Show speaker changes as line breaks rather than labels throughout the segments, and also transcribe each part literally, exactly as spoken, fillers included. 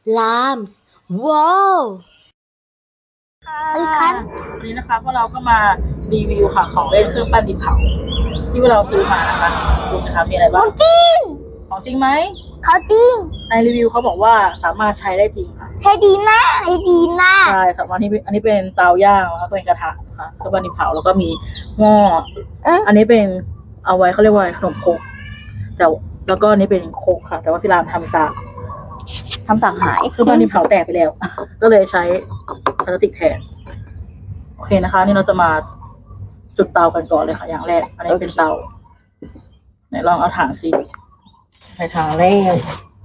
Lambs ว้าว
ค่ะวันนี้นะคะพวกเราก็มารีวิวค่ะของเล่นเครื่องปั้นดินเผาที่พวกเราซื้อมานะคะดูนะคะมีอะไรบ้าง
จริง
ของจริงไหม
เขาจริง
ในรีวิวเขาบอกว่าสามารถใช้ได้จริงค่ะ
ให้ดีมากให้ดีมาก
ใช่สำหรับนี้อันนี้เป็นเตาย่างแล้วก็เป็นกระทะค่ะเครื่องปั้นดินเผาแล้วก็มีหม้ออันนี้เป็นเอาไว้เขาเรียกว่าขนมครกแต่แล้วก็อันนี้เป็นโคกค่ะแต่ว่าพี่รามทำซากทำสากหายคือบ้านดินเผาแตกไปแล้วก็เลยใช้พลาสติกแทนโอเคนะคะนี่เราจะมาจุดเตากันก่อนเลยค่ะอย่างแรกอันนี้เป็นเตาไหนลองเอาถ่านสิใส่ถ่านแรก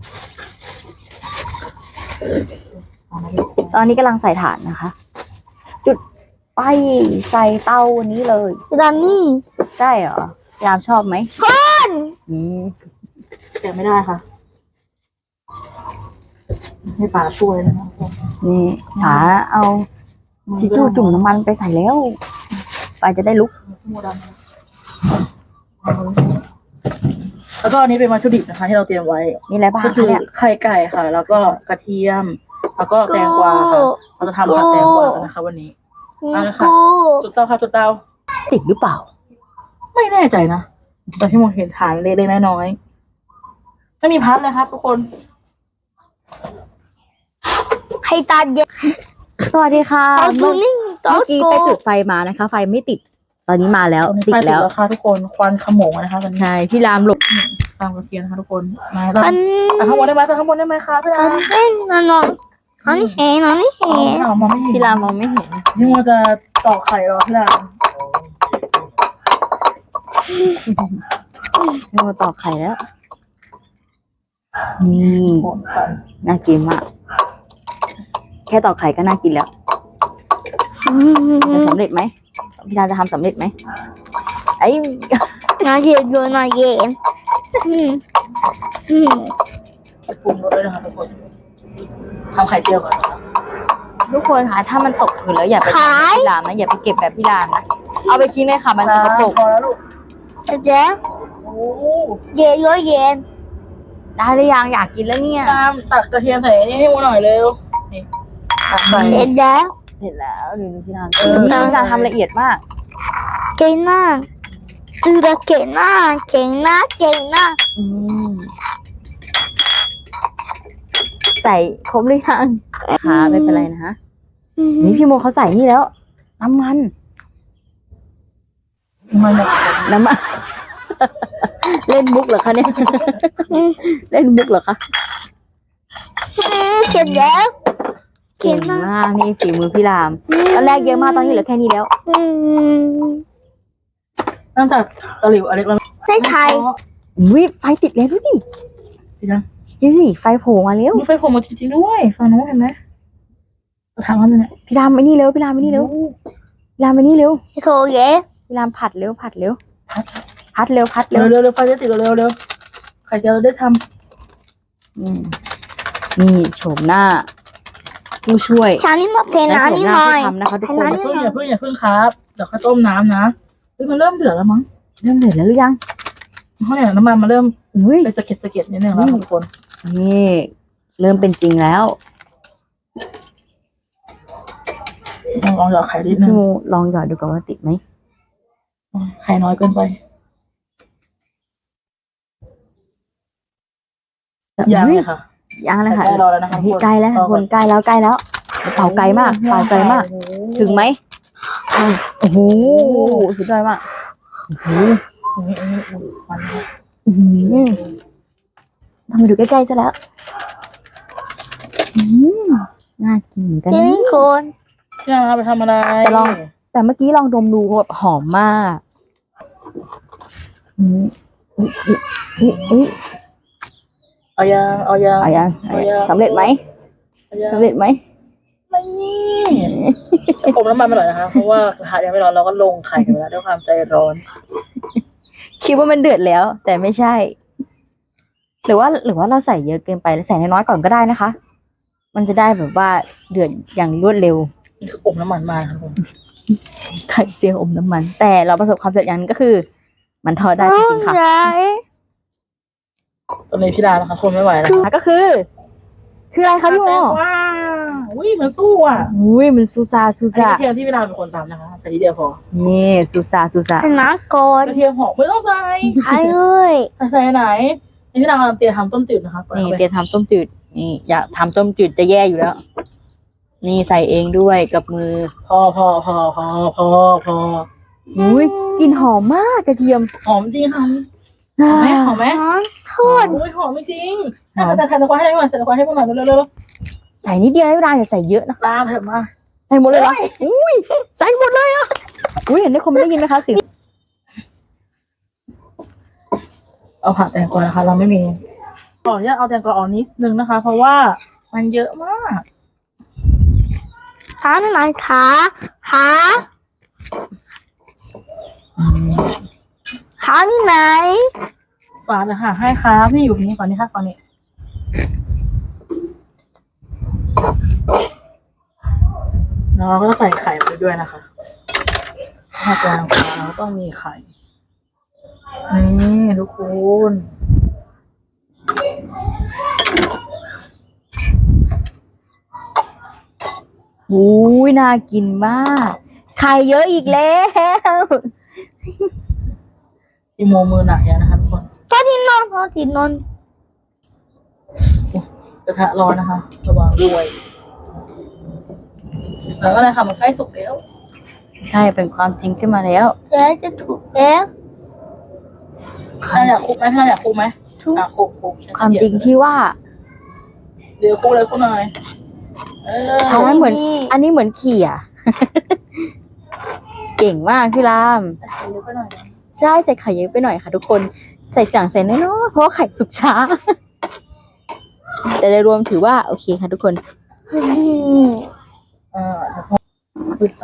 ตอนนี้กำลังใส่ถ่านนะคะ จุดไปใส่เตาวันนี้เลย
ตอนนี้
ใช่เหรอยามชอบไหม
คน
อืม
แต่ไม่ได้ค่ะให้ป๋าช่วยนะคะ
นี่ป๋าเอาชิจูจุ่มน้ำมันไปใส่แล้วไปจะได้ลุก
แล้วก็อันนี้เป็นวัตถุดิบนะคะที่เราเตรียมไว้
มีอะไรบ้าง
ก็คือไข่ไก่ค่ะแล้วก็กระเทียมแล้วก็แตงกวาค่ะเราจะทำผัดแตงกวากันนะคะวันนี้เอาละค่ะจุดเตาค่ะจุดเตา
ติดหรือเปล่า
ไม่แน่ใจนะแต่ที่มองเห็นฐานเล็กๆน้อยๆไม่มีพัดเลยครับทุกคน
ให้ตาเย็น
สวัสดีค่ะ
เมื่อ
กี้ไปจุดไฟมานะคะไฟไม่ติดตอนนี้มาแล้วติดแล้ว
ค่ะทุกคนควันขโมงนะคะตอนนี้
ใช่พี่รามหลบ
ตามกระเทียมนะคะทุกคนมาแล้วแต่ข้างบนได้ไหมแต่ข้างบนได้ไหมคะพี่ราม
เฮ้ยนอนนอนนอนเห็นนอนไม่เห็น
มองไม่เห็น
พี่รามมองไม่เห็น
นี่มันจะตอกไข่รอพี่ราม
นี่มาตอกไข่แล้วนี่น่ากินมากแค่ตอกไข่ก็น่ากินแล้วจะสำเร็จไหมพี่ดาจะทำสำเร็จไหมไอ้
น่าเย็นด้วยน่าเย็น
จะปรุงรสด้วยนะคะทุกคนทำไข่เจียวก่อน
ทุกคนค่ะถ้ามันตกผืนแล้วอย่าไปทำพี่รามนะอย่าไปเก็บแบบพี่รามนะเอาไปทิ้งเลยค่ะมันจะตก
พอแล้วลูก
เจ๊เย็นเยอะเย็น
ได้หรือยังอยากกินแล้วเนี่ย
ตามตักกระเทียมใส่นี่ให้มูหน่อยเร็วนี่
ตักใส่เห็นแล้ว
เห็นแล้วดูพี่รามพี่รามทำละเอียดมาก
เก่งมากดูแลเก่งมากเก่งมากเก่งมาก
ใส่ครบหรือยังค่ะไม่เป็นไรนะฮะนี่พี่โมเขาใส่นี่แล้วน้ำมันน้ำมันเล่นมุกเหรอคะเนี่ยเล่นมุกเหรอคะ
เก่งแล้ว
เก่งมากนี่ฝีมือพี่รามตอนแรกเยอะมากตอนนี้เหลือแค่นี้แล้ว
ตั้งแต่ตะหลิวอเล็กแล้ว
ได้ใช่
วิไฟติดแล้วดูสิ
จริงนะ
จริงสิไฟโผล่มาแล้ว
มีไฟโผล่มาจริงๆด้วยฝั่งนู้นเห็นไหมทางนั้นเนี่ย
พี่รามไปนี่เร็วพี่รามไปนี่เร็วพี่รามไปนี่เร็ว
โถเย่
พี่รามผัดเร็วผัดเร็วพัดเร็วพัดเร็ว
เร็วเร็วไฟจะติดเร็วเร็วใครจะได้ท
ำนี่โฉมหน้าผู้ช่วย
ชานี่มาเพลน้ำนี่หน่อย
ทำนะคะทุกคน
อย่าเพิ่งอย่าเพิ่งอย่าเพิ่งครับเดี๋ยวค่อยต้มน้ำนะเฮ้ยมันเริ่มเดือดแล้วมั้ง
เริ่มเดือดแล้วหรือยัง
เพราะเนี่ยน้ำมันมันเริ่มไปสะเก็ดสะเก็ดนิดนึงแล้วทุกคน
นี่เริ่มเป็นจริงแล้ว
ลองลองหยอดไข่นิดนึง
ลองหยอดดูก่อนว่าติดไหม
ไข่น้อยเกินไปยังเลยค่ะ
ยังเลยค่ะ
ใกล้แล้วนะคะ
ใกล้แล้วคนใกล้แล้วใกล้แล้วเป่าไกลมากเป่าไกลมากถึงไหมโอ้โหสุดยอดมากโอ้โหทำมาดูใกล้ๆซะแล้วน่ากินกัน
นี่คน
พี่นาไปทำอะไร
แต่ลองแต่เมื่อกี้ลองดมดูแบบหอมมากอืมอุ้ย
เอายังเอายัง
เอายังสำเร็จไหมสำเร็จไหม
ไม่ผมน้ำมันไปหน่อยนะคะเพราะว่ากระทะยังไม่ร้อนเราก็ลงไข่กันไปแล้วด้วยความใจร้อน
คิดว่ามันเดือดแล้วแต่ไม่ใช่หรือว่าหรือว่าเราใส่เยอะเกินไปใส่น้อยๆก่อนก็ได้นะคะมันจะได้แบบว่าเดือดอย่างรวดเร็ว
นี่คืออมน้ำมันมาครับผม
ไข่เจียวอมน้ำมันแต่เราประสบความสำเร็จอย่างนึงก็คือมันทอดได้จริงๆค่ะ
ตอนนี้พี่ดานะคะทนไม่ไหวแล้ว
ก็คือ คคืออะไรคะพี่โม
แตงกวาอุ้ยมันสู้อ่ะ
อุ้ยมันซูซาซู
อันนี้
ซาก
ระเทียมที่เวลาเป็นคนตำนะคะแต่ทีเดียวพอ
นี่ซูซาซูซา
ชนะก่อน
กระเทียมหอมไม่ต้องใส่
ใช่เลย
ใส่ไหนนี่พี่นางกำลังเตรียมทำต้มจืดนะคะ
นี่เตรียมทำต้มจืดนี่อยากทำต้มจืดจะแย่อยู่แล้ว นี่ใส่เองด้วยกับมือ
พอพอพอพอพอพอ
อุ้ยกลิ่นหอมมากกระเทียม
หอมจริงค่ะหอมไหมหอมไหม
น้องโทษ
อุ้ยหอมจริงแต่แต่แทนตะควาให้ได้ไหมใส่ตะควาให้พวกหน่อยเร็วเร็ว
ใส่นิดเดียวไม่เป็นไรอย่าใส่เยอะนะ
ตามเถอะมา
ใส่หมดเลยเหรออุ้ยใส่หมดเลยอ่ะอุ้ยเห็นได้คนไม่ได้ยินไหมคะเสียง
เอาผักแตงกวานะคะเราไม่มีขออนุญาตเอาแตงกวาออกนิดนึงนะคะ เพราะว่ามันเยอะมาก
ขาหน่อยขาขาขาไหน
ฝาเลยค่ะให้ครับพี่อยู่นี้ก่อนนี่ค่ะก่อนนี้แล้วเราก็ใส่ไข่ไปด้วยนะคะถ้าแตงกวาเราต้องมีไข่นี่ทุกคน
อุ้ยน่ากินมากไข่เยอะอีกแล้ว
อีโมมือหนักแล้วนะคะทุกคน
ตอนที่นอนตอนที่นอน
กระทะร้อนนะคะระวังด้วยแล้วก็เลยค่ะมันใกล้สุกแล้ว
ใช่เป็นความจริงขึ้นมาแล้ว
แล้วจะถูกแล้ว
ถ้าอยากคลุกไหมถ้าอยากคลุกไหมอ่ะคลุกคลุก
ความจริงที่ว่า
เดี๋ยวคลุกเลยคลุกหน่อยเออ
อันนั้นเหมือน อันนี้เหมือนเขี่ย เก่งมากพี่ราม
ใส่เยอะไปหน่อยนะ
ใช่ใส่ไข่เยอะไปหน่อยค่ะทุกคนใส่สั่งใส่น้อยๆเพราะว่าไข่สุกช้า แต่โดยรวมถือว่าโอเคค่ะทุกคน
อืม
อ่าแล้วพอปิดไป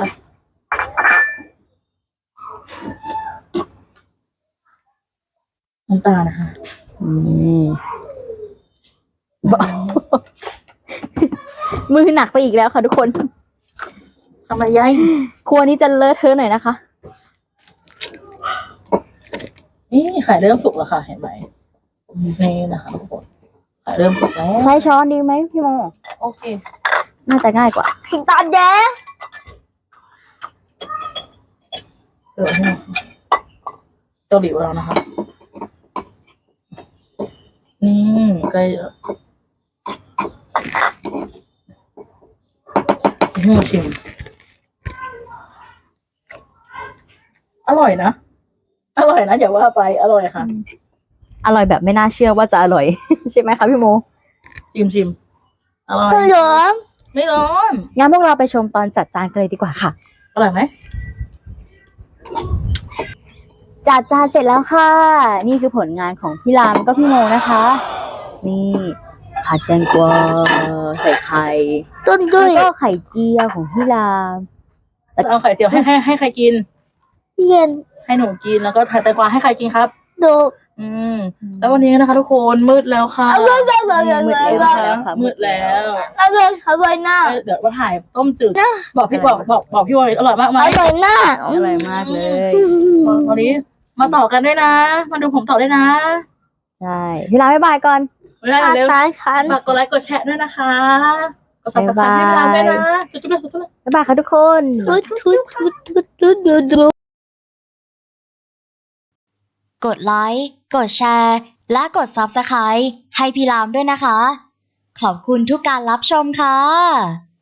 น้ำตาลนะคะ
อืม มือหนักไปอีกแล้วค่ะทุกคน
ทำไมยัย
ครัวนี้จะเลอะเทอะหน่อยนะคะ
นี่ไข่เริ่มสุกแล้วค่ะเห็นไหมนี่นะคะทุกคนไข่เริ่มสุกแล้ว
ใช้ช้อนดีไหมพี่โม
โอเค
น่าจะง่ายกว่า
ผิงตาแดง
เดี๋ยวให้เกาหลีของเรานะคะ นี่ใกล้แล้วให้มาชิมอร่อยนะ อร่อยนะอย่าว่าไป อร่อยค่ะ
อร่อยแบบไม่น่าเชื่อว่าจะอร่อย ใช่ไหมคะพี่โม
ชิมชิมอร่อย
เหลือม
ไม่ร้อน
งั้นพวกเราไปชมตอนจัดจานกันเลยดีกว่าค่ะ
อร่อยไหม
จัดจานเสร็จแล้วค่ะ นี่คือผลงานของพี่รามแล้วก็พี่โมนะคะ นี่ผัดแตงกวาใส่ไข่
ต้นด้
แล้ว วย ก็ไข่เจียวของพี่ราม
เอาไข่เจียวให้ให้ให้ใครกิน
เย็น
ให้หนูกินแล้วก็ไข่แตงกวาให้ใครกินครับ
ดู
อืม แล้ววันนี้นะคะทุกคนมืดแล้วค่ะ
อร่อยอร่อยอร่อยอร่อย
นะคะมืดแล้ว
อร่อยอร่อยน่า
เดี๋ยวมาถ่ายต้มจืดบอกพี่บอกบอกบอกพี่วอยอร่อยมากไหม
อร่อยน่า
อร่อยมากเลย
วันนี้มาต่อกันด้วยนะ มาดูผมต่อด้วยนะ
ใช่ พี่รามบ๊ายบายก่อน
ไม่ได้เร็ว
ตายฉัน
ฝากกดไลค์กดแชร์ด้วยนะคะกดซับสไครต์ให้พี่รามด้วยนะจุ๊บจุ๊บจุ๊บจุ๊บ
บ๊ายบายค่ะทุกคน
ทุดทุดทุดทุดทุดทุดทุด
กดไลค์ กดแชร์ และกด ซับสไครบ์ ให้พี่รามด้วยนะคะ ขอบคุณทุกการรับชมค่ะ